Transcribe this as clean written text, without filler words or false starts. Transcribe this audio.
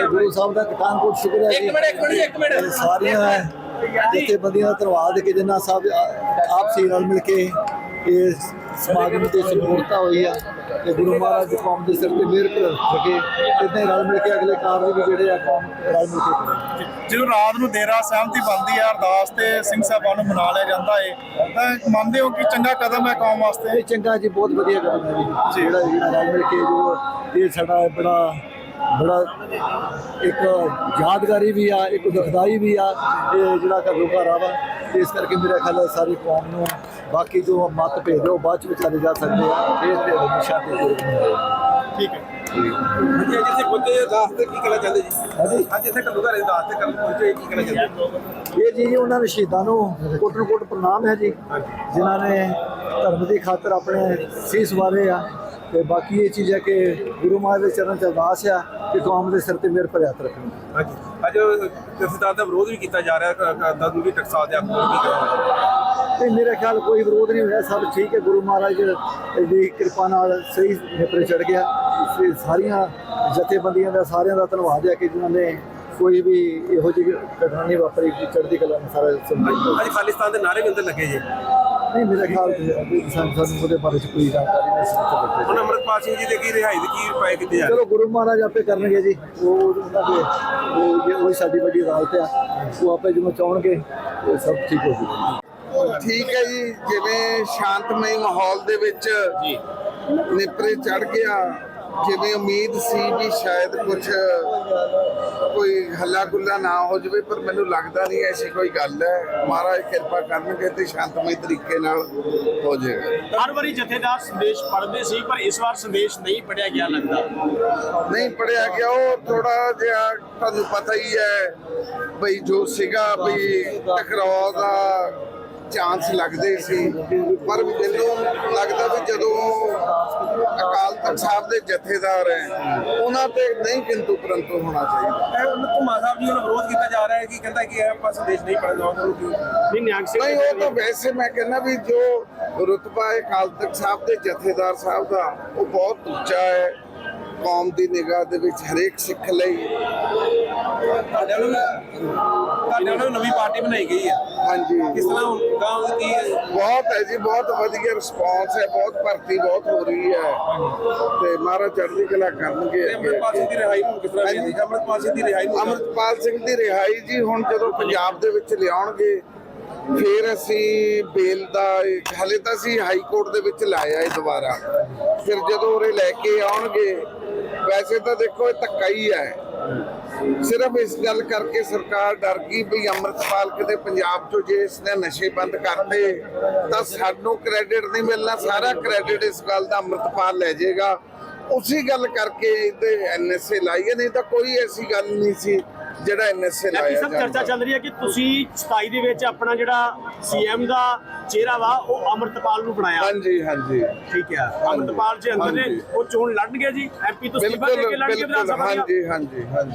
गुरु साहब का पठानकोट शुक्र है जी। सारिया जथेबंदियों का धन्यवाद कि जिन्ना सब आपसी रल मिल के ये समागम की संपूर्णता हुई है कि गुरु महाराज कौम के सिर पर मेहर रखे इतना ही रल मिल के अगले कार्य भी जोड़े आ कौम रल मिल के करें। ਜਦੋਂ ਰਾਤ ਨੂੰ ਦੇਰਾ ਸਹਿਮਤੀ ਬਣਦੀ ਹੈ ਅਰਦਾਸ ਤੇ ਸਿੰਘ ਸਾਹਿਬਾਨ ਨੂੰ ਮਨਾ ਲਿਆ ਜਾਂਦਾ ਹੈ ਤਾਂ ਮੰਨਦੇ ਹੋ ਕਿ ਚੰਗਾ ਕਦਮ ਹੈ ਕੌਮ ਵਾਸਤੇ? चंगा जी बहुत वधिया कदम है जी जोड़ा रल मिल के जो ये साडा बड़ा एक यादगारी भी आ एक दुखदाई भी आ ये जोड़ा घरोघरा वा इस करके मेरा ख्याल है सारी कौम को बाकी जो मत भेद हो बाद चले जा सकते हैं ये तो हमेशा ठीक है। ਹਾਂਜੀ ਅੱਜ ਇੱਥੇ ਪਹੁੰਚੇ ਅਰਦਾਸ ਤੇ ਕੀ ਕਹਿਣਾ ਚਾਹੁੰਦੇ ਜੀ? ਅੱਜ ਇੱਥੇ ਘੱਲੂਘਾਰੇ ਅਰਦਾਸ ਤੇ ਕਰਨ ਪਹੁੰਚੇ ਕੀ ਕਹਿਣਾ ਚਾਹੁੰਦੇ? ਇਹ ਜੀ ਉਹਨਾਂ ਸ਼ਹੀਦਾਂ ਨੂੰ ਕੋਟ ਨੂੰ ਕੋਟ ਪ੍ਰਣਾਮ ਹੈ ਜੀ ਜਿਨ੍ਹਾਂ ਨੇ ਧਰਮ ਦੀ ਖਾਤਰ ਆਪਣੇ ਸੀਸ ਵਾਰੇ ਆ ਤੇ ਬਾਕੀ ਇਹ ਚੀਜ਼ ਹੈ ਕਿ ਗੁਰੂ ਮਹਾਰਾਜ ਦੇ ਚਰਨ 'ਚ ਅਰਦਾਸ ਆ ਕਿ ਕੌਮ ਦੇ ਸਿਰ ਤੇ ਮਿਹਰ ਭਰਿਆ ਹੱਥ ਰੱਖਣ। ਹਾਂਜੀ ਅੱਜ ਜਥੇਦਾਰ ਦਾ ਵਿਰੋਧ ਵੀ ਕੀਤਾ ਜਾ ਰਿਹਾ ਦਾਦੂ ਵੀ ਟਕਸਾਲ ਦੇ ਆਗੂ ਕੀ ਕਰਾਂਗੇ? ਤੇ ਮੇਰੇ ਖਿਆਲ ਕੋਈ ਵਿਰੋਧ ਨਹੀਂ ਹੋਇਆ ਸਭ ਠੀਕ ਹੈ ਗੁਰੂ ਮਹਾਰਾਜ ਦੀ ਕਿਰਪਾ ਨਾਲ ਸਹੀ ਨੇਪਰੇ ਚੜ ਗਿਆ। ਸਾਰੀਆਂ ਜਥੇਬੰਦੀਆਂ ਦਾ ਸਾਰਿਆਂ ਦਾ ਧੰਨਵਾਦ ਹੈ ਕਿ ਜਿਨ੍ਹਾਂ ਨੇ ਕੋਈ ਵੀ ਇਹੋ ਜਿਹੀ ਘਟਨਾ ਨਹੀਂ ਵਾਪਰੀ ਚੜ੍ਹਦੀ ਕਲਾ ਨਾਲ ਸਾਰਾ ਸਮਝ। ਅੱਜ ਖਾਲਿਸਤਾਨ ਦੇ ਨਾਰੇ ਵੀ ਅੰਦਰ ਲੱਗੇ ਜੀ? ਨਹੀਂ ਮੇਰੇ ਖਿਆਲ ਸਾਨੂੰ ਉਹਦੇ ਬਾਰੇ 'ਚ ਕੋਈ ਜਾਣਕਾਰੀ ਨਹੀਂ। ਹੁਣ ਅੰਮ੍ਰਿਤਪਾਲ ਸਿੰਘ ਜੀ ਦੇ ਕੀ ਰਿਹਾਈ ਦੇ ਕੀ ਉਪਾਅ ਕੀਤੇ ਜਾ ਰਹੇ? ਚਲੋ ਗੁਰੂ ਮਹਾਰਾਜ ਆਪੇ ਕਰਨਗੇ ਜੀ ਉਹ ਉਹਨਾਂ ਦੇ ਉਹ ਸਾਡੀ ਵੱਡੀ ਅਦਾਲਤ ਆ ਉਹ ਆਪੇ ਜਦੋਂ ਚਾਹਣਗੇ ਉਹ ਸਭ ਠੀਕ ਹੋ ਜੂਗਾ। ਠੀਕ ਹੈ ਜੀ ਜਿਵੇਂ ਸ਼ਾਂਤਮਈ ਮਾਹੌਲ ਦੇ ਵਿੱਚ ਜੀ ਨਿਪਰੇ ਚੜ ਗਿਆ ਜਿਵੇਂ ਉਮੀਦ ਸੀ ਵੀ ਸ਼ਾਇਦ ਕੁਝ ਕੋਈ ਹੱਲਾ ਗੁੱਲਾ ਨਾ ਹੋ ਜਾਵੇ ਪਰ ਮੈਨੂੰ ਲੱਗਦਾ ਨਹੀਂ ਐਸੀ ਕੋਈ ਗੱਲ ਹੈ। ਮਹਾਰਾਜ ਕਿਰਪਾ ਕਰਨਗੇ ਤੇ ਸ਼ਾਂਤਮਈ ਤਰੀਕੇ ਨਾਲ ਹੋ ਜਾਏਗਾ। ਹਰ ਵਾਰੀ ਜਥੇਦਾਰ ਸੰਦੇਸ਼ ਪੜ੍ਹਦੇ ਸੀ ਪਰ ਇਸ ਵਾਰ ਸੰਦੇਸ਼ ਨਹੀਂ ਪੜਿਆ ਗਿਆ ਲੱਗਦਾ। ਨਹੀਂ ਪੜਿਆ ਗਿਆ ਉਹ ਥੋੜਾ ਜਿਹਾ ਤੁਹਾਨੂੰ ਪਤਾ ਹੀ ਹੈ ਬਈ ਜੋ ਸੀਗਾ ਬਈ ਟਕਰਾਅ ਦਾ ਚਾਂਸ ਲੱਗਦੇ ਸੀ ਪਰ ਮੈਨੂੰ ਲੱਗਦਾ ਵੀ ਜਦੋਂ ਅਕਾਲ ਤਖਤ ਸਾਹਿਬ ਦੇ ਜਥੇਦਾਰ ਹੈ ਉਹਨਾਂ ਤੇ ਨਹੀਂ ਕਿੰਤੂ ਪਰੰਤੂ ਹੋਣਾ ਚਾਹੀਦਾ। ਘੁਮਾ ਸਾਹਿਬ ਜੀ ਵੱਲੋਂ ਵਿਰੋਧ ਕੀਤਾ ਜਾ ਰਿਹਾ ਹੈ ਕਿ ਕਹਿੰਦਾ ਕਿ ਇਹ ਆਪਾਂ ਸੰਦੇਸ਼ ਨਹੀਂ ਪੜ੍ਹਨ ਦਵਾਂਗੇ। ਨਹੀਂ ਨਿਹੰਗ ਸਿੰਘ ਨਹੀਂ ਉਹ ਤਾਂ ਵੈਸੇ ਮੈਂ ਕਹਿੰਦਾ ਵੀ ਜੋ ਰੁਤਬਾ ਹੈ ਅਕਾਲ ਤਖਤ ਸਾਹਿਬ ਦੇ ਜਥੇਦਾਰ ਸਾਹਿਬ ਦਾ ਉਹ ਬਹੁਤ ਉੱਚਾ ਹੈ ਕੌਮ ਦੀ ਨਿਗਾਹ ਦੇ ਵਿੱਚ ਹਰੇਕ ਸਿੱਖ ਲਈ। ਤੁਹਾਡੇ ਵੱਲੋਂ ਨਵੀਂ ਪਾਰਟੀ ਬਣਾਈ ਗਈ ਹੈ ਹਾਂਜੀ ਕਿਸ ਤਰ੍ਹਾਂ ਗਾਉਂ ਦੀ ਬਹੁਤ ਹੈ ਜੀ ਬਹੁਤ ਵਧੀਆ ਰਿਸਪੌਂਸ ਹੈ ਬਹੁਤ ਭਰਤੀ ਬਹੁਤ ਹੋ ਰਹੀ ਹੈ ਤੇ ਮਹਾਰਾਜ ਚੜ੍ਹਦੀ ਕਲਾ ਕਰਨਗੇ। ਅੰਮ੍ਰਿਤਪਾਲ ਸਿੰਘ ਦੀ ਰਿਹਾਈ ਨੂੰ ਕਿਸ ਤਰ੍ਹਾਂ ਵੇਖਦੇ? ਅੰਮ੍ਰਿਤਪਾਲ ਸਿੰਘ ਦੀ ਰਿਹਾਈ ਨੂੰ ਅੰਮ੍ਰਿਤਪਾਲ ਸਿੰਘ ਦੀ ਰਿਹਾਈ ਜੀ ਹੁਣ ਜਦੋਂ ਪੰਜਾਬ ਦੇ ਵਿੱਚ ਲਿਆਉਣਗੇ ਫਿਰ ਅਸੀਂ ਬੇਲ ਦਾ ਹਾਲੇ ਤਾਂ ਅਸੀਂ ਹਾਈ ਕੋਰਟ ਦੇ ਵਿੱਚ ਲਾਇਆ ਹੈ ਦੁਬਾਰਾ ਫਿਰ ਜਦੋਂ ਉਰੇ ਲੈ ਕੇ ਆਉਣਗੇ ਵੈਸੇ ਤਾਂ ਦੇਖੋ ਇਹ ਧੱਕਾ ਹੀ ਹੈ ਸਿਰਫ ਇਸ ਗੱਲ ਕਰਕੇ ਸਰਕਾਰ ਡਰ ਗਈ ਵੀ ਅੰਮ੍ਰਿਤਪਾਲ ਕਿਤੇ ਪੰਜਾਬ ਚੋਂ ਜੇ ਇਸਨੇ ਨਸ਼ੇ ਬੰਦ ਕਰਤੇ ਤਾਂ ਸਾਨੂੰ ਕ੍ਰੈਡਿਟ ਨਹੀਂ ਮਿਲਣਾ ਸਾਰਾ ਕ੍ਰੈਡਿਟ ਇਸ ਗੱਲ ਦਾ ਅੰਮ੍ਰਿਤਪਾਲ ਲੈ ਜਾਏਗਾ। ਉਸੇ ਗੱਲ ਕਰਕੇ ਇਹਦੇ ਐਨਐਸਏ ਲਾਈਏ ਨਹੀਂ ਤਾਂ ਕੋਈ ਐਸੀ ਗੱਲ ਨਹੀਂ ਸੀ ਜਿਹੜਾ ਐਨਐਸਏ ਲਾਇਆ ਸਭ ਚਰਚਾ ਚੱਲ ਰਹੀ ਹੈ ਕਿ ਤੁਸੀਂ 27 ਦੇ ਵਿੱਚ ਆਪਣਾ ਜਿਹੜਾ ਸੀਐਮ ਦਾ ਚਿਹਰਾ ਵਾ ਉਹ ਅੰਮ੍ਰਿਤਪਾਲ ਨੂੰ ਬਣਾਇਆ। ਹਾਂਜੀ ਹਾਂਜੀ ਠੀਕ ਹੈ ਅੰਮ੍ਰਿਤਪਾਲ ਜੀ ਅੰਦਰ ਨੇ ਉਹ ਚੋਣ ਲੜਨਗੇ ਜੀ ਐਮਪੀ ਤੋਂ ਅਸਤੀਫਾ ਦੇ ਕੇ ਲੜਨਗੇ ਵਿਧਾਨ ਸਭਾ। ਹਾਂਜੀ ਹਾਂਜੀ ਹਾਂਜੀ।